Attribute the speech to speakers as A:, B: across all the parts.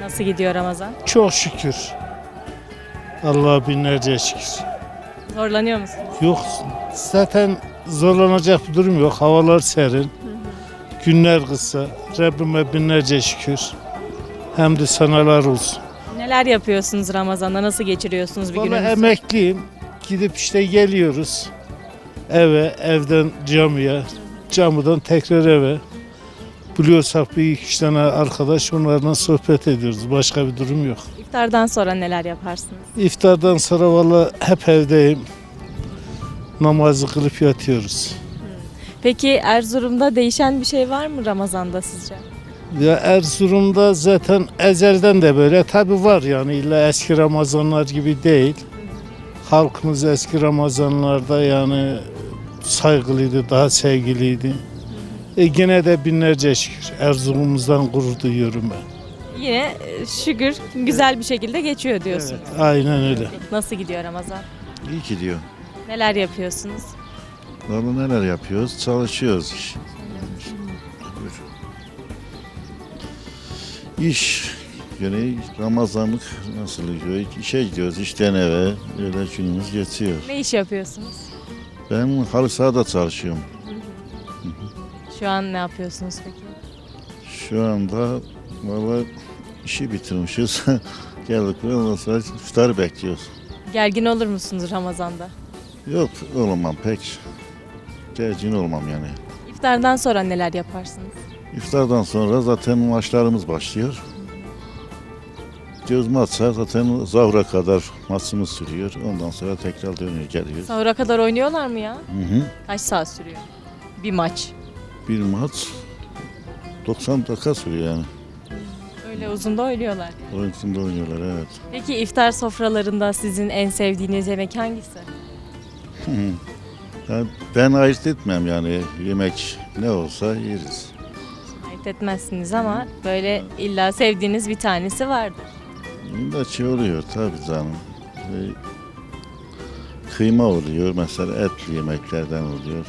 A: Nasıl gidiyor Ramazan?
B: Çok şükür. Allah'a binlerce şükür.
A: Zorlanıyor musunuz?
B: Yok zaten zorlanacak bir durum yok. Havalar serin. Günler kısa. Rabbime binlerce şükür. Hem de sanalar olsun.
A: Neler yapıyorsunuz Ramazan'da? Nasıl geçiriyorsunuz bir
B: Bana
A: gününüzü?
B: emekliyim. Gidip işte geliyoruz. Eve, evden camiye, camiden tekrar eve. Biliyorsak bir iki üç tane arkadaş onlarla sohbet ediyoruz. Başka bir durum yok.
A: İftardan sonra neler yaparsınız?
B: İftardan sonra valla hep evdeyim. Namazı kılıp yatıyoruz.
A: Peki Erzurum'da değişen bir şey var mı Ramazan'da sizce?
B: Ya Erzurum'da zaten ezelden de böyle tabi var yani illa eski Ramazanlar gibi değil. Halkımız eski Ramazanlarda yani saygılıydı, daha sevgiliydi. Gene de binlerce şükür Erzurum'umuzdan gurur duyuyorum ben.
A: Yine şükür güzel bir şekilde geçiyor diyorsunuz.
B: Evet, aynen öyle.
A: Nasıl gidiyor Ramazan?
C: İyi gidiyor.
A: Neler yapıyorsunuz?
C: Vallahi neler yapıyoruz? Çalışıyoruz. İş yani Ramazanlık nasıl gidiyor? İşe gidiyoruz, işten eve. Öyle günümüz geçiyor.
A: Ne iş yapıyorsunuz?
C: Ben halı sahada çalışıyorum.
A: Şu an ne yapıyorsunuz peki?
C: Şu anda vallahi işi bitirmişiz. Geldik buraya ondan sonra iftarı bekliyoruz.
A: Gergin olur musunuz Ramazan'da?
C: Yok olmam pek. Gergin olmam yani.
A: İftardan sonra neler yaparsınız?
C: İftardan sonra zaten maçlarımız başlıyor. Göz maçsa zaten zahura kadar maçımız sürüyor. Ondan sonra tekrar dönüyor geliyor.
A: Sahura kadar oynuyorlar mı ya?
C: Hı hı.
A: Kaç saat sürüyor? Bir maç.
C: Bir maç 90 dakika sürüyor yani.
A: Öyle uzun da oynuyorlar.
C: Oyun içinde oynuyorlar evet.
A: Peki iftar sofralarında sizin en sevdiğiniz yemek hangisi?
C: Hı hı. Yani ben ayırt etmem yani yemek ne olsa yeriz.
A: Ayırt etmezsiniz ama böyle illa sevdiğiniz bir tanesi vardır.
C: Bunda şey oluyor tabii canım. Kıyma oluyor mesela etli yemeklerden oluyor.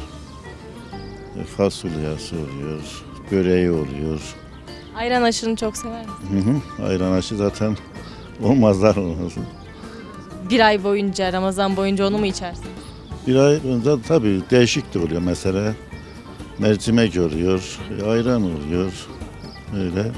C: Fasulyası oluyor, böreği oluyor.
A: Ayran aşırını çok sever misiniz?
C: Hı hı. Ayran aşı zaten olmazlar olmaz.
A: Bir ay boyunca, Ramazan boyunca onu mu içersiniz?
C: Bir ay önce tabii değişik de oluyor mesela. Mercimek oluyor, ayran oluyor. Öyle.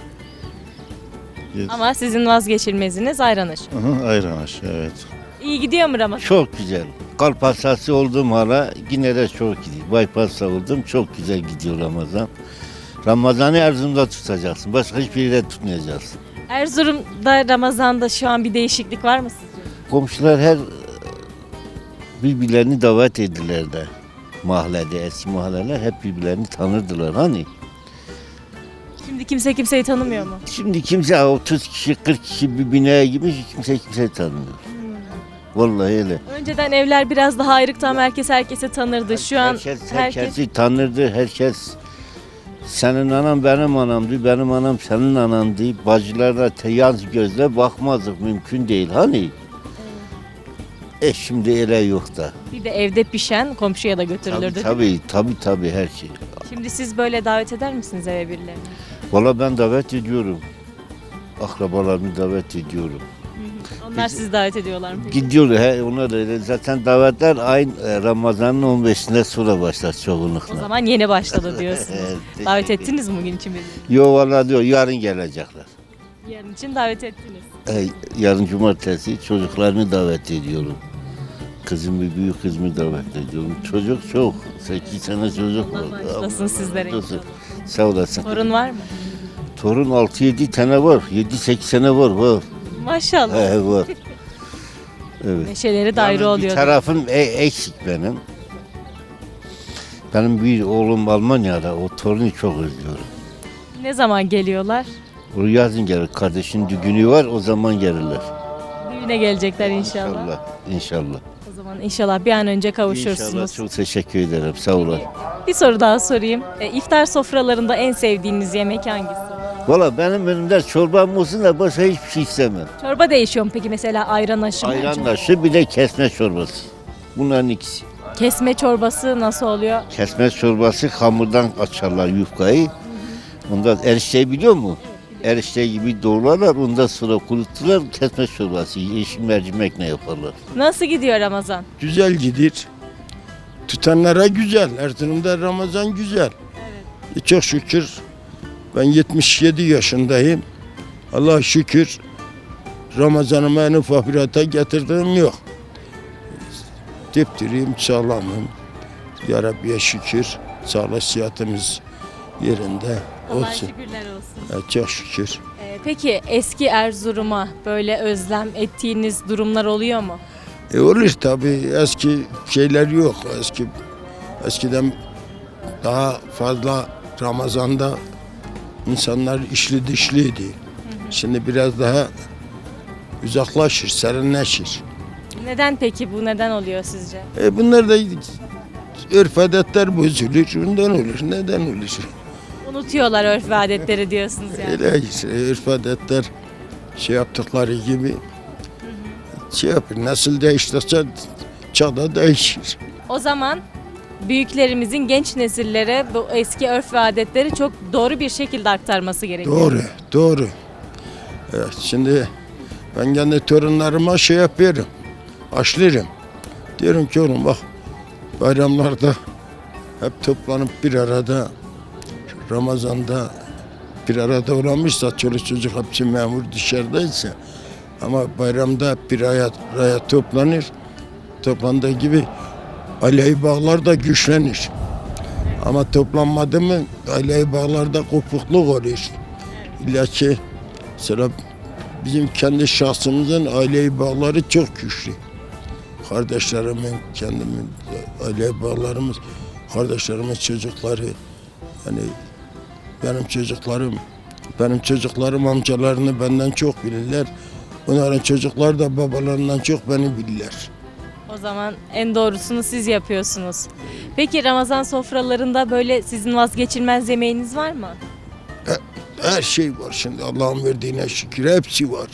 A: Ama sizin vazgeçilmeziniz ayran aşı.
C: Aha, ayran aşı evet.
A: İyi gidiyor mu Ramazan?
D: Çok güzel. Kalp hastası olduğum hala yine de çok gidiyor. Bypass oldum çok güzel gidiyor Ramazan. Ramazan'ı Erzurum'da tutacaksın. Başka hiçbir yere tutmayacaksın.
A: Erzurum'da Ramazan'da şu an bir değişiklik var mı sizce?
D: Komşular her birbirlerini davet ettiler de. Mahallede, eski mahalleler hep birbirlerini tanırdılar hani.
A: Şimdi kimse kimseyi tanımıyor mu?
D: Şimdi kimse 30 kişi 40 kişi bir binaya girmiş kimse kimseyi tanımıyor. Vallahi öyle.
A: Önceden evler biraz daha ayrıktan herkes herkese tanırdı. Şu an
D: Herkesi tanırdı, herkes senin anan benim anamdı, benim anam senin anandı. Bacılarla yaz gözle bakmazdık, mümkün değil hani. Şimdi öyle yok da.
A: bir de evde pişen komşuya da götürülürdü.
D: Tabii her şey.
A: Şimdi siz böyle davet eder misiniz eve birilerini?
D: Valla ben davet ediyorum. Akrabalarımı davet ediyorum.
A: Onlar sizi davet ediyorlar mı? peki?
D: Gidiyorlar, onlar öyle. Zaten davetler ayın Ramazan'ın 15'inde sonra başlar çoğunlukla.
A: O zaman yeni başladı diyorsunuz.
D: Evet,
A: Davet
D: teşekkür
A: ettiniz mi bugün için birini?
D: Yok valla diyor, yarın gelecekler.
A: Yarın için davet ettiniz.
D: Yarın cumartesi çocuklarını davet ediyorum. Kızımı, büyük kızımı davet ediyorum. Çocuk çok. 8 tane çocuk var.
A: Allah bağışlasın sizlere.
D: Sağ olasın.
A: Torun var mı?
D: Torun 6-7 tane var. 7-8 tane var.
A: Maşallah.
D: Var. Evet.
A: Neşeleri de ayrı
D: Yani
A: oluyor.
D: bir tarafım eksik benim. Benim bir oğlum Almanya'da. O torunu çok özlüyorum.
A: Ne zaman geliyorlar?
D: O yazın gelir. Kardeşin düğünü var. O zaman gelirler.
A: Düğüne gelecekler inşallah.
D: İnşallah.
A: O zaman inşallah bir an önce kavuşursunuz.
D: İnşallah çok teşekkür ederim. Sağ olun.
A: Bir soru daha sorayım. İftar sofralarında en sevdiğiniz yemek hangisi?
D: Valla benim önümde çorbam olsun da başka hiçbir şey istemem.
A: Çorba değişiyor mu peki mesela ayran aşı mı?
D: Ayran aşı bir de kesme çorbası. Bunların ikisi.
A: Kesme çorbası nasıl oluyor?
D: Kesme çorbası hamurdan açarlar yufkayı. Ondan erişteyi biliyor musun? erişte gibi doğrarlar. Ondan sonra kuruttular. Kesme çorbası, yeşil mercimekle yaparlar.
A: Nasıl gidiyor Ramazan?
E: Güzel gidir. Tutanlara güzel. Erzurum'da Ramazan güzel. Çok şükür ben 77 yaşındayım. Allah'a şükür Ramazan'ıma en ufak bir hata getirdiğim yok. Dipdiriyim, sağlamım. Ya Rabbi'ye şükür. Sağlık sıhhatimiz yerinde
A: Allah
E: olsun.
A: şükürler olsun.
E: Çok şükür.
A: Peki eski Erzurum'a böyle özlem ettiğiniz durumlar oluyor mu?
E: Olur tabii, eski şeyler yok. Eskiden daha fazla Ramazan'da insanlar işli dışlıydı. Şimdi biraz daha uzaklaşır, serinleşir.
A: Neden peki bu neden oluyor sizce?
E: Bunlar da örf adetler bozulur, bundan olur. Neden olur?
A: Unutuyorlar örf ve adetleri diyorsunuz yani.
E: Öyle işte, örf adetler şey yaptıkları gibi şey yapır. Nasıl değiştirse çağda değişir.
A: O zaman büyüklerimizin genç nesillere bu eski örf ve adetleri çok doğru bir şekilde aktarması gerekiyor.
E: Doğru, doğru. Evet, şimdi ben kendi torunlarıma şey yapıyorum, aşırım. Diyorum ki oğlum bak bayramlarda hep toplanıp bir arada, Ramazan'da bir arada olamışsa çoluk çocuk hepsi memur dışarıdaysa ama bayramda hep bir araya toplanır. Toplandığı gibi aileyi bağlar da güçlenir. Ama toplanmadı mı aileyi bağlarda kopukluk olur. İlla ki mesela bizim kendi şahsımızın aileyi bağları çok güçlü. Kardeşlerimin, kendimin aile bağlarımız, kardeşlerimin çocukları, yani benim çocuklarım amcalarını benden çok bilirler. Onların çocukları da babalarından çok beni bilirler.
A: O zaman en doğrusunu siz yapıyorsunuz. Peki Ramazan sofralarında böyle sizin vazgeçilmez yemeğiniz var mı?
E: Her şey var şimdi Allah'ın verdiğine şükür hepsi var.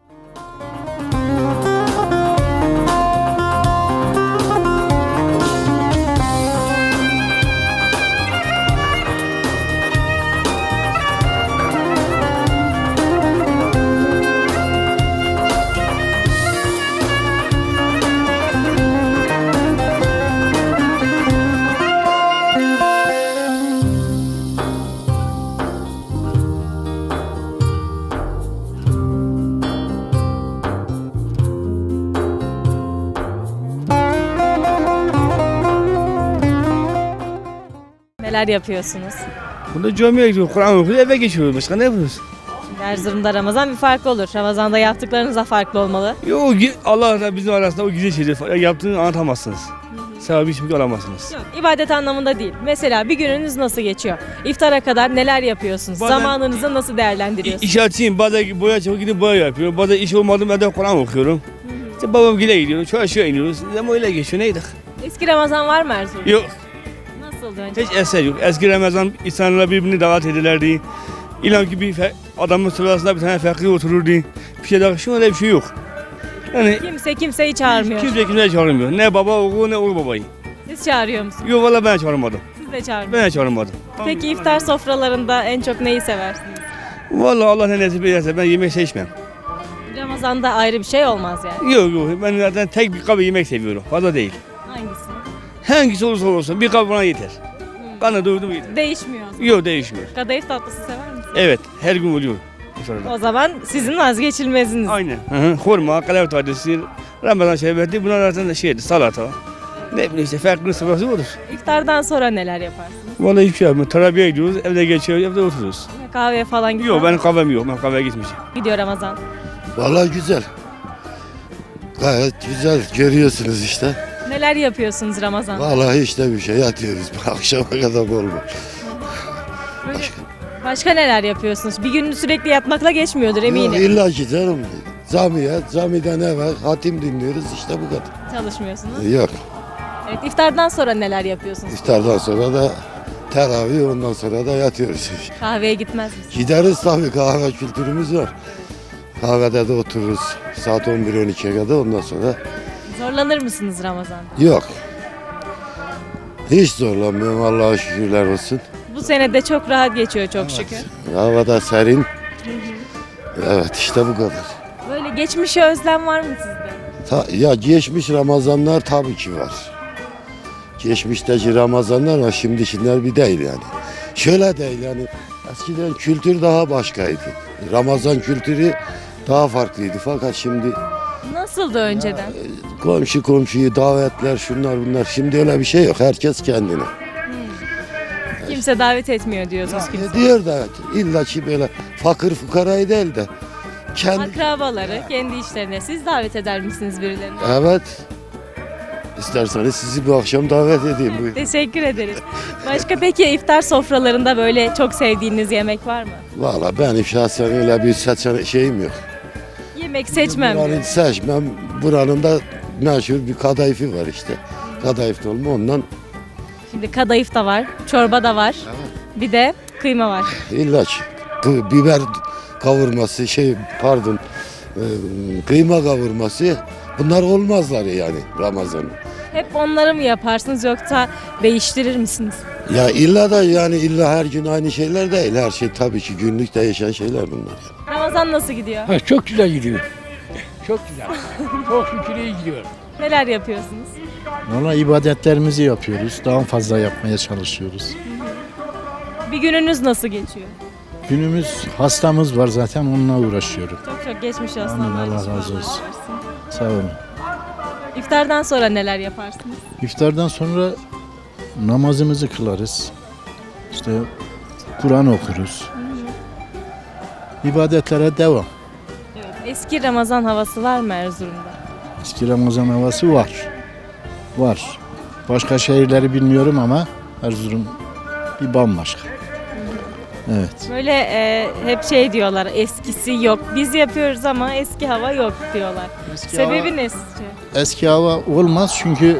A: Neler yapıyorsunuz?
F: Burada camiye gidiyoruz, Kur'an okuyoruz, eve geçiyoruz. Başka ne yapıyoruz?
A: Şimdi Erzurum'da Ramazan bir farklı olur. Ramazan'da yaptıklarınız da farklı olmalı.
F: Yok, Allah da bizim arasında o güzel şeyleri yaptığını anlatamazsınız. Sevabı hiçbir şey alamazsınız.
A: Yok, ibadet anlamında değil. Mesela bir gününüz nasıl geçiyor? İftara kadar neler yapıyorsunuz?
F: Bazen-
A: Zamanınızı nasıl değerlendiriyorsunuz?
F: İş açayım, bazen boya çabuk gidip boya yapıyorum. Bazen iş olmadı evde Kur'an okuyorum. İşte babam gile gidiyorum, şu aşağı iniyoruz. Ama öyle geçiyor, neydik?
A: Eski Ramazan var mı Erzurum'da?
F: Yok,
A: Nasıldı önce?
F: hiç eser yok. Eski Ramazan insanlar birbirini davet ederlerdi. İlan ki bir adamın sırasında bir tane fakir otururdu. Bir şey daha, şu öyle bir şey yok. Yani
A: Kimse kimseyi çağırmıyor.
F: kimse çağırmıyor. Ne baba oğlu ne oğul babayı.
A: Siz çağırıyor musunuz?
F: Yok valla ben çağırmadım.
A: Siz de çağırmıyor.
F: Ben çağırmadım.
A: Peki iftar sofralarında en çok neyi seversiniz?
F: Vallahi Allah ne nasip ederse ben yemek seçmem.
A: Ramazan'da ayrı bir şey olmaz yani.
F: Yok ben zaten tek bir kabı yemek seviyorum. Fazla değil.
A: Hangisi?
F: Hangisi olursa olsun bir kabı bana yeter. Bana doydum yeter.
A: Değişmiyor.
F: Yok değişmiyor.
A: Kadayıf tatlısı sever misiniz?
F: Evet her gün oluyor. iftarda.
A: O zaman sizin vazgeçilmeziniz.
F: Aynen. Hurma, kalev tatlısı, Ramazan şerbeti bunlar zaten şeydi salata. Ne bileyim işte farklı sırası olur.
A: İftardan sonra neler yaparsınız?
F: Vallahi hiçbir şey yapmıyorum. Terabiye gidiyoruz, evde geçiyoruz, evde oturuyoruz.
A: Kahveye falan gidiyor.
F: Yok benim kahvem yok, ben kahveye gitmeyeceğim.
A: Gidiyor Ramazan.
G: Vallahi güzel. Gayet güzel görüyorsunuz işte.
A: Neler yapıyorsunuz Ramazan?
G: Vallahi işte bir şey yatıyoruz. Akşama kadar bol bol.
A: Böyle başka neler yapıyorsunuz? Bir gününü sürekli yatmakla geçmiyordur eminim.
G: Yok, İlla ki canım. Camiden eve hatim dinliyoruz işte bu kadar.
A: Çalışmıyorsunuz.
G: Yok.
A: Evet, iftardan sonra neler yapıyorsunuz?
G: İftardan sonra da teravih ondan sonra da yatıyoruz.
A: Kahveye gitmez misiniz?
G: Gideriz tabii kahve kültürümüz var. Kahvede de otururuz saat 11-12'ye kadar ondan sonra
A: Zorlanır mısınız Ramazan?
G: yok. Hiç zorlanmıyorum Allah'a şükürler olsun.
A: Bu sene de çok rahat geçiyor çok şükür.
G: Havada serin. Evet işte bu kadar.
A: Böyle geçmişe özlem var mı sizde?
G: Ya geçmiş Ramazanlar tabii ki var. Geçmişteki Ramazanlar var, şimdikiler bir değil yani. Şöyle değil yani, eskiden kültür daha başkaydı. Ramazan kültürü daha farklıydı fakat şimdi
A: Nasıldı önceden?
G: komşu komşuyu davetler şunlar bunlar, şimdi öyle bir şey yok, herkes kendine.
A: Kimse davet etmiyor diyorsunuz kimse.
G: Diyor da illa ki böyle fakir fukarayı değil de kendi...
A: Akrabaları kendi işlerine siz davet eder misiniz birilerini?
G: Evet. İsterseniz sizi bu akşam davet edeyim. Buyurun.
A: Teşekkür ederiz. Başka peki iftar sofralarında böyle çok sevdiğiniz yemek var mı?
G: Valla benim şahsen öyle bir şeyim yok.
A: Yemek seçmem diyor.
G: Buranın seçmem. Buranın da meşhur bir kadayıfı var işte. Kadayıf dolma ondan
A: Şimdi kadayıf da var, çorba da var. Bir de kıyma var.
G: ilaç. Biber kavurması kıyma kavurması bunlar olmazlar yani Ramazan'ın.
A: Hep onları mı yaparsınız yoksa değiştirir misiniz?
G: Ya illa da yani illa her gün aynı şeyler değil. Her şey tabii ki günlük değişen şeyler bunlar.
A: Ramazan nasıl gidiyor?
H: Ha, çok güzel gidiyor. Çok güzel. Çok şükür iyi gidiyor.
A: Neler yapıyorsunuz?
B: Valla ibadetlerimizi yapıyoruz. Daha fazla yapmaya çalışıyoruz.
A: Bir gününüz nasıl geçiyor?
B: Günümüz hastamız var zaten onunla uğraşıyorum.
A: Çok geçmiş olsun.
B: Amin, Allah razı
A: şifalar
B: olsun.
A: versin.
B: Sağ olun.
A: İftardan sonra neler yaparsınız?
B: İftardan sonra namazımızı kılarız. İşte Kur'an okuruz. İbadetlere devam.
A: Evet. Eski Ramazan havası var mı Erzurum'da?
B: Eski Ramazan havası var. Var. Başka şehirleri bilmiyorum ama Erzurum bir bambaşka. Evet.
A: Böyle hep şey diyorlar, eskisi yok. Biz yapıyoruz ama eski hava yok diyorlar. Sebebi ne sizce?
B: Eski hava olmaz çünkü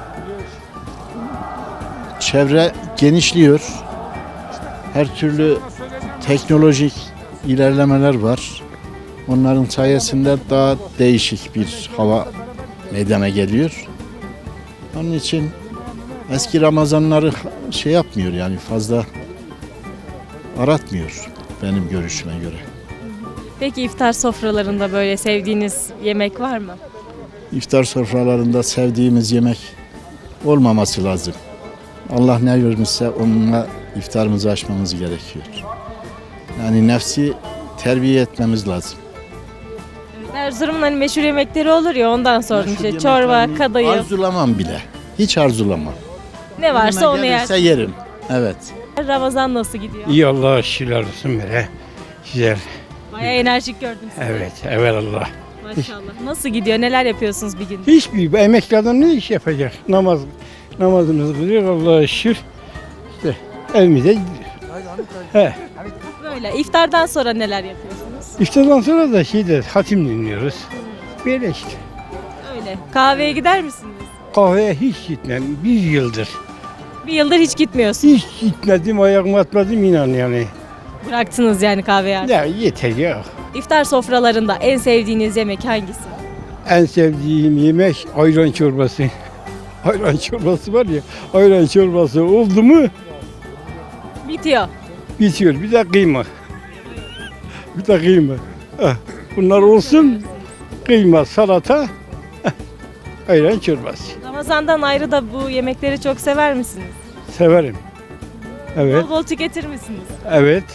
B: çevre genişliyor. Her türlü teknolojik ilerlemeler var. Onların sayesinde daha değişik bir hava meydana geliyor. Onun için eski Ramazanları şey yapmıyor yani fazla aratmıyor benim görüşüme göre.
A: Peki iftar sofralarında böyle sevdiğiniz yemek var mı?
B: İftar sofralarında sevdiğimiz yemek olmaması lazım. Allah ne vermişse onunla iftarımızı açmamız gerekiyor. Yani nefsi terbiye etmemiz lazım.
A: Erzurum'un hani meşhur yemekleri olur ya ondan sordum
B: Meşhur
A: işte çorba,
B: yemeklerini
A: kadayıf
B: Arzulamam bile. Hiç arzulamam.
A: ne varsa onu yer.
B: Gelirse yerim. Evet.
A: Ramazan nasıl gidiyor?
H: İyi Allah'a şükürler olsun böyle. Güzel.
A: Bayağı enerjik gördüm sizi.
H: Evet Allah.
A: Maşallah. Nasıl gidiyor? Neler yapıyorsunuz bir gün?
H: Hiçbir emekli adam ne iş yapacak? Namazımızı kılıyor Allah'a şükür. İşte evimize gidiyor.
A: Böyle iftardan sonra neler yapıyorsunuz?
H: İftardan sonra da hatim dinliyoruz. Böyle işte.
A: Öyle. Kahveye gider misiniz?
H: Kahveye hiç gitmem. Bir yıldır.
A: Bir yıldır hiç gitmiyorsunuz.
H: Hiç gitmedim, ayağımı atmadım inan yani.
A: Bıraktınız yani kahveyi artık.
H: Ya yeter ya.
A: İftar sofralarında en sevdiğiniz yemek hangisi?
H: En sevdiğim yemek ayran çorbası. Ayran çorbası var ya, ayran çorbası oldu mu
A: Bitiyor.
H: bitiyor. Bir de kıyma. Bir de kıyma. Ah, bunlar olsun. Kıyma, salata, ayran çorbası.
A: Ramazandan ayrı da bu yemekleri çok sever misiniz?
H: Severim. Evet,
A: Bol bol tüketir misiniz?
H: evet.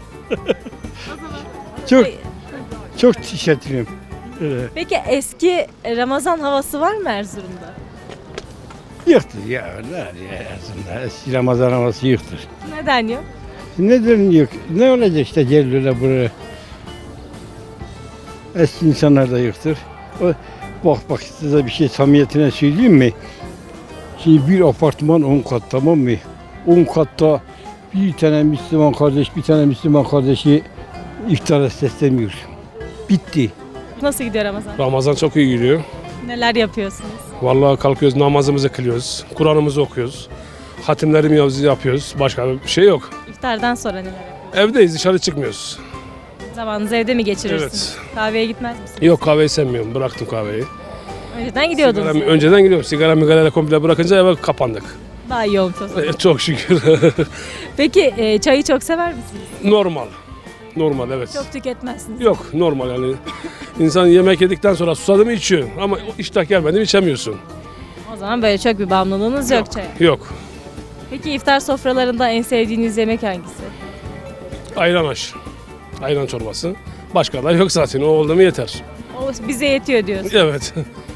H: Çok tüketirim. Evet.
A: Peki eski Ramazan havası var mı Erzurum'da?
H: Yoktur ya. Aslında eski Ramazan havası yoktur.
A: Neden yok?
H: Neden yok? Ne olacak işte geliyorlar buraya. Eski insanlar da yoktur. Bak size bir şey samimiyetine söyleyeyim mi? Şimdi bir apartman 10 kat tamam mı? 10 katta bir tane Müslüman kardeş, bir tane Müslüman kardeşi iftara sesleniyor. Bitti.
A: Nasıl gidiyor Ramazan?
I: Ramazan çok iyi gidiyor.
A: Neler yapıyorsunuz?
I: Vallahi kalkıyoruz, namazımızı kılıyoruz, Kur'an'ımızı okuyoruz, hatimlerimizi yapıyoruz. Başka bir şey yok.
A: İftardan sonra neler yapıyorsunuz?
I: Evdeyiz, dışarı çıkmıyoruz.
A: Zamanınızı evde mi geçirirsiniz? Kahveye gitmez misiniz?
I: Yok, kahveyi sevmiyorum, bıraktım kahveyi.
A: Önceden gidiyordunuz.
I: Önceden gidiyorum, sigara migarayla komple bırakınca eve kapandık.
A: Daha iyi olmuş o zaman.
I: Çok şükür.
A: Peki çayı çok sever misiniz?
I: Normal. Normal evet.
A: Çok tüketmezsiniz.
I: Yok normal yani. İnsan yemek yedikten sonra susadı mı içiyor ama iştah gelmedi mi içemiyorsun.
A: O zaman böyle çok bir bağımlılığınız yok çaya.
I: Yok.
A: Peki iftar sofralarında en sevdiğiniz yemek hangisi?
I: Ayran aş. Ayran çorbası. Başka da yok zaten. O oldu mu yeter.
A: O bize yetiyor diyorsun.
I: Evet.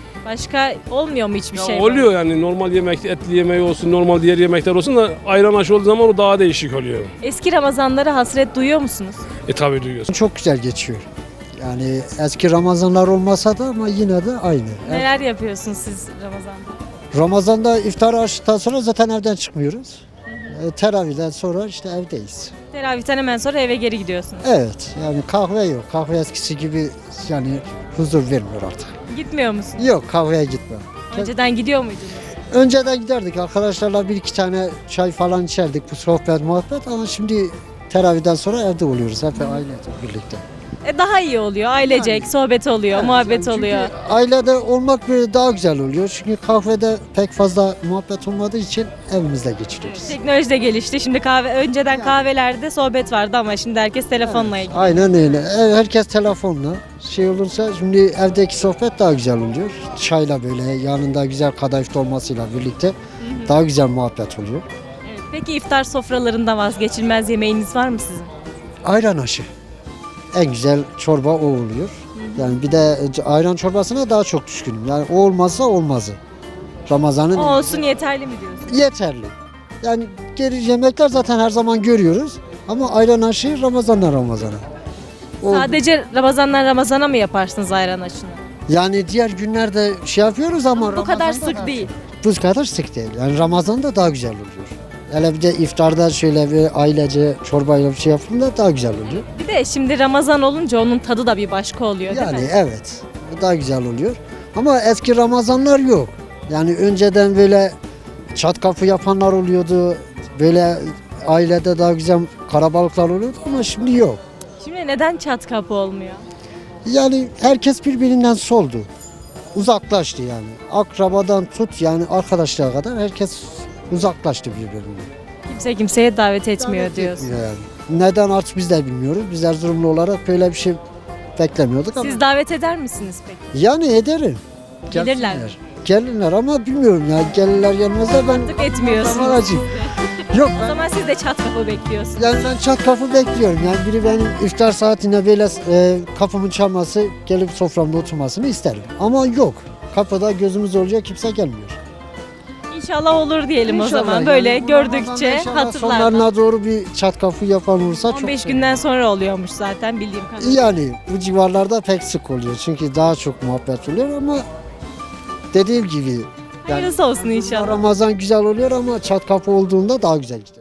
A: Başka olmuyor mu hiçbir
I: Ya
A: şey?
I: oluyor yani normal yemek, etli yemeği olsun, normal diğer yemekler olsun da ayran aş olduğu zaman o daha değişik oluyor.
A: Eski Ramazanlara hasret duyuyor musunuz?
I: Tabii duyuyorsun.
J: Çok güzel geçiyor. Yani eski Ramazanlar olmasa da ama yine de aynı.
A: Neler yapıyorsunuz siz Ramazan'da?
J: Ramazan'da iftar açtıktan sonra zaten evden çıkmıyoruz. Teravihden sonra işte evdeyiz.
A: Teravihten hemen sonra eve geri gidiyorsunuz.
J: Evet yani kahve yok. Kahve eskisi gibi yani huzur vermiyor artık.
A: Gitmiyor musunuz?
J: Yok kahveye gitmem.
A: Önceden gidiyor muydunuz?
J: Önceden giderdik arkadaşlarla bir iki tane çay falan içerdik bu sohbet muhabbet ama şimdi teravihden sonra evde oluyoruz hep ailecek birlikte.
A: Daha iyi oluyor. Ailecek, sohbet oluyor, muhabbet
J: Yani
A: oluyor.
J: çünkü ailede olmak böyle daha güzel oluyor. Çünkü kahvede pek fazla muhabbet olmadığı için evimizde geçiriyoruz.
A: Teknoloji de gelişti. Şimdi önceden kahvelerde sohbet vardı ama şimdi herkes telefonla ilgili.
J: Aynen öyle. Herkes telefonla şey olursa şimdi evdeki sohbet daha güzel oluyor. Çayla böyle yanında güzel kadayıf dolmasıyla birlikte daha güzel muhabbet oluyor.
A: Evet. Peki iftar sofralarında vazgeçilmez yemeğiniz var mı sizin?
J: Ayran aşı. En güzel çorba o oluyor. Yani bir de ayran çorbasına daha çok düşkünüm. Yani o olmazsa olmazı. Ramazan'ın
A: O olsun yeterli mi diyorsun?
J: yeterli. Yani geri yemekler zaten her zaman görüyoruz. Ama ayran aşı Ramazan'dan Ramazan'a. O-
A: Sadece Ramazan'dan Ramazan'a mı yaparsınız ayran aşını?
J: Yani diğer günlerde şey yapıyoruz ama
A: Bu kadar
J: Ramazan'da
A: sık
J: daha-
A: değil.
J: Bu kadar sık değil. Yani Ramazan'da daha güzel oluyor. Hele bir de iftarda şöyle bir ailece çorbayla bir şey yaptığında daha güzel oluyor.
A: Bir de şimdi Ramazan olunca onun tadı da bir başka oluyor değil
J: Yani
A: mi?
J: evet. Daha güzel oluyor. Ama eski Ramazanlar yok. Yani önceden böyle çat kapı yapanlar oluyordu. Böyle ailede daha güzel karabalıklar oluyordu ama şimdi yok.
A: Şimdi neden çat kapı olmuyor?
J: Yani herkes birbirinden soldu. Uzaklaştı yani. Akrabadan tut yani arkadaşlara kadar herkes uzaklaştı birbirinden.
A: Kimse kimseye davet etmiyor diyorsun.
J: Yani. Neden artık biz de bilmiyoruz. Biz Erzurumlu olarak böyle bir şey beklemiyorduk ama.
A: Siz davet eder misiniz peki?
J: Yani ederim.
A: Gelirler mi?
J: Gelirler ama bilmiyorum ya. Gelirler gelmezler ben
A: Artık etmiyorsunuz.
J: kameracıyım. Yok
A: O zaman siz de çat kapı bekliyorsunuz.
J: yani ben çat kapı bekliyorum. Yani biri benim iftar saatinde böyle kapımın çalması, gelip soframda oturmasını isterim. Ama yok. Kapıda gözümüz olacak kimse gelmiyor.
A: İnşallah olur diyelim o
J: İnşallah
A: zaman.
J: yani
A: Böyle
J: bu
A: gördükçe
J: Ramazan'da inşallah
A: hatırlar.
J: sonlarına doğru bir çat kapı yapan olursa çok
A: 15
J: sevinirim.
A: günden sonra oluyormuş zaten bildiğim kadarıyla.
J: Yani bu civarlarda pek sık oluyor. Çünkü daha çok muhabbet oluyor ama dediğim gibi yani
A: Hayırlısı olsun inşallah.
J: Ramazan güzel oluyor ama çat kapı olduğunda daha güzel gidiyor.